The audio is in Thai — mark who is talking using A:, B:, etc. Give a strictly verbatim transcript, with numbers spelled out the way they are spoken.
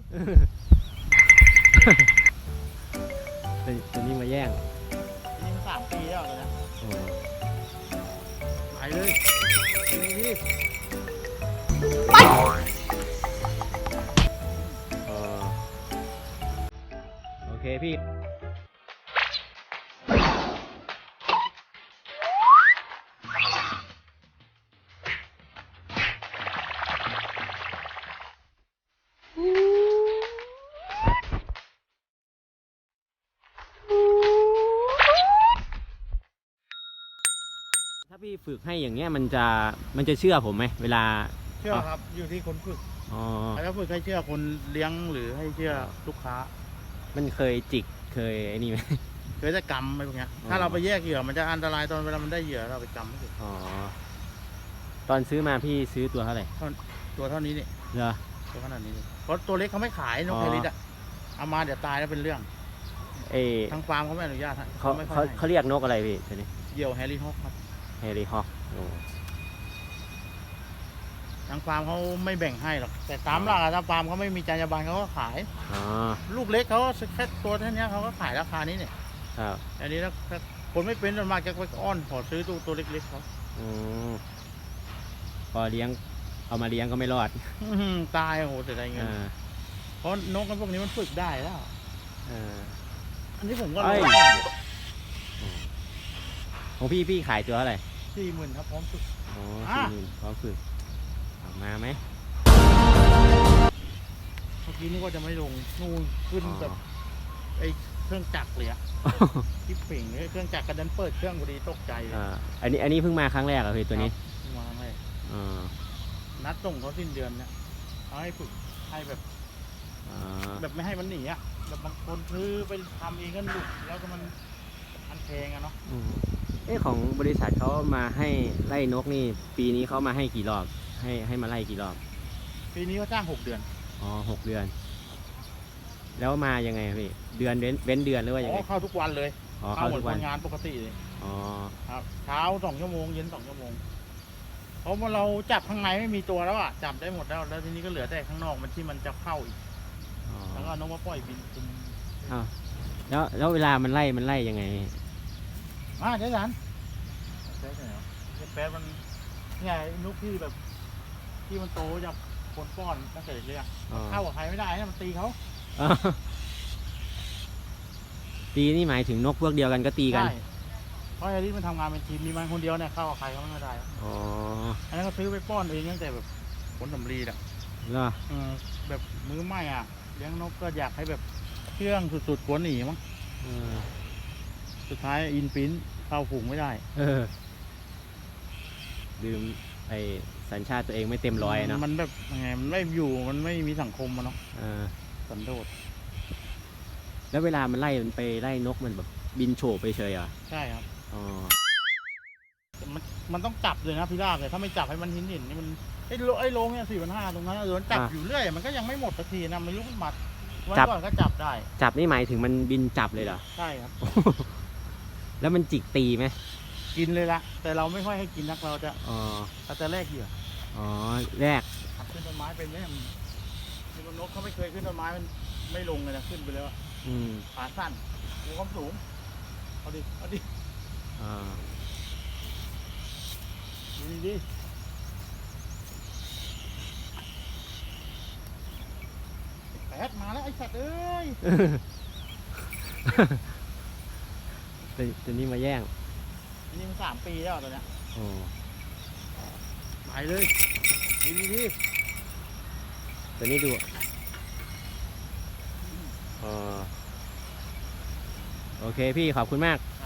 A: ตัวนี้มาแย่ง
B: นี่มันสามปีแล้วเลยนะไปเลยนี่ไป
A: โอเคพี่ถ้าพี่ฝึกให้อย่างเงี้ยมันจะมันจะเชื่อผมไหมเวลา
B: เชื่อครับอยู่ที่คนฝึก
A: อ๋อ
B: ถ้าฝึกให้เชื่อคนเลี้ยงหรือให้เชื่อลูกค้า
A: มันเคยจิกเคยไอ้นี่ไหม
B: เคยจะกำอะไรพวกเนี้ยถ้าเราไปแยกเหยื่อมันจะอันตรายตอนเวลามันได้เหยื่อเราไปกำไม่ถูก
A: อ๋อตอนซื้อมาพี่ซื้อตัวเท่าไหร่
B: ตัวเท่านี้นี่
A: เหรอ
B: ตัวขนาดนี้เพราะตัวเล็กเขาไม่ขายนกไฮริสอ่ะเอามาเดี๋ยวตายแล้วเป็นเรื่อง
A: เอ
B: ทางฟาร์มเขาไม่อนุญาต
A: เขาเขาเขาเรียกนกอะไรพี่ตัวนี้
B: เหยี่ยวแฮร์รี่ฮอคครับ
A: แฮร์รี่ฮอค
B: ทางฟาร์มเขาไม่แบ่งให้หรอกแต่ตามหลักทางฟาร์มเขาไม่มีจรรยาบรรณเขาก็ขายลูกเล็กเขาแค่ตัวเท่านี้เขาก็ขายราคานี้เนี่ย
A: ครับ
B: อันนี้ถ้าคนไม่เป็นส่วนมากจะไปอ้อนขอซื้อตัวตัวเล็กๆเขา
A: พอเลี้ยงเอามาเลี้ยงก็ไม่รอด
B: ตายโอ้โหเสียดายเงินเพราะนกพวกนี้มันฝึกได้แล้วอันนี้ผมก็
A: ของพี่พี่ขายตัวอะไร
B: สี่หมื่นครับพร้อมฝึก
A: อ๋อสี่หมื่นพร้อมฝึกออกมาไหม
B: เมื่อกี้นึกว่าจะไม่ลงนู่นขึ้นแบบไอ้เครื่องจักรเลยอะที่เป่งเครื่องจักรกระดันเปิดเครื่องพอดีตกใจเลย
A: อันนี้อันนี้เพิ่งมาครั้งแรกเหรอพี่ตัวนี้
B: มาครั้งแรกนัดส่งเขาสิ้นเดือนเนี่ยเขาให้ฝึกให้แบบแบบไม่ให้มันหนีอะแบบบางคนซื้อไปทำเองก็หลุดแล้วก็มันอันแพงอะเนาะ
A: เอ้ของบริษัทเขามาให้ไล่นกนี่ปีนี้เขามาให้กี่รอบให้ให้มาไล่กี่รอบ
B: ปีนี้เขาจ้างหกเดือน
A: อ๋อหกเดือนแล้วมายังไงพี่เดือนเว้นเว้นเดือนหรือว่ายังไง
B: เข้าทุกวันเลย
A: เข้าทุกวัน
B: งานปกติเลย
A: อ๋อ
B: ครับเช้าสองชั่วโมงเย็นสองชั่วโมงเพราะว่าเราจับข้างในไม่มีตัวแล้วอ่ะจับได้หมดแล้วแล้วทีนี้ก็เหลือแต่ข้างนอกมันที่มันจะเข้าอีกแล้วก็นกมาปล่อยบินคุม
A: อ้าวแล้วแล้วเวลามันไล่มันไล่ยังไง
B: อ่าเจ๊สันเจ๊สันเหรอเจ๊แป๊ดมันเนี่ยนกที่แบบที่มันโตจากคนป้อนตั้งแต่เด็กๆเข้ากับใครไม่ได้นะมันตีเขา
A: ตีนี่หมายถึงนกพวกเดียวกันก็ตีกัน
B: เพราะไอ้ที่มันทำงานเป็นทีมมีมันคนเดียวเนี่ยเข้ากับใครเขาไม่ได้อ๋ออันนั้นก็ซื้อไปป้อนเองตั้งแต่แบบผลสำลีอ่ะ
A: เหรอ
B: แบบมือใหม่อ่ะเลี้ยงนกก็อยากให้แบบเครื่องสุดๆกวนหนีมั้งสุดท้ายอินปิ้นเข้าฝูงไม่ได้
A: ลืมไอสัญชาติตัวเองไม่เต็มร้อยเนาะ
B: มันแบบยังไงมันไม่อยู่มันไม่มีสังคมมันเนาะสันโดษ
A: แล้วเวลามันไล่มันไปไล่นกมันแบบบินโฉบไปเฉยอ่ะ
B: ใช่ครับ
A: อ๋อ
B: มันมันต้องจับเลยนะพี่ลาบเลยถ้าไม่จับให้มันหินหินนี่มันไอ้โลไอ้โลเนี่ยสี่พันห้าตรงนั้นโดนจับอยู่เรื่อยมันก็ยังไม่หมดสักทีนะไม่รู้มันมัดวันก่อนก็จับได้
A: จับนี่หมายถึงมันบินจับเลยเหรอ
B: ใช่ครับ
A: แล้วมันจิกตีไหม
B: กินเลยละแต่เราไม่ค่อยให้กินนักเราจะอ๋อเราจะแลกเหยื่อ
A: อ๋อแลก
B: ขับขึ้นต้นไม้เป็นไหมมีนกเขาไม่เคยขึ้นต้นไม้มันไม่ลงเลยนะขึ้นไปแล้วขาสั้นมีความสูงเอาดิเอาดิอ่าดีดีแปดมาแล้วไอ้สัตว์เอ้ย
A: ตัวนี้มาแย่ง
B: อันนี้มันสามปีแล้วตัวเนี้ย
A: โอ้
B: ไปเลยดีดีดี
A: ตัวนี้ดูอ๋อโอเคพี่ขอบคุณมาก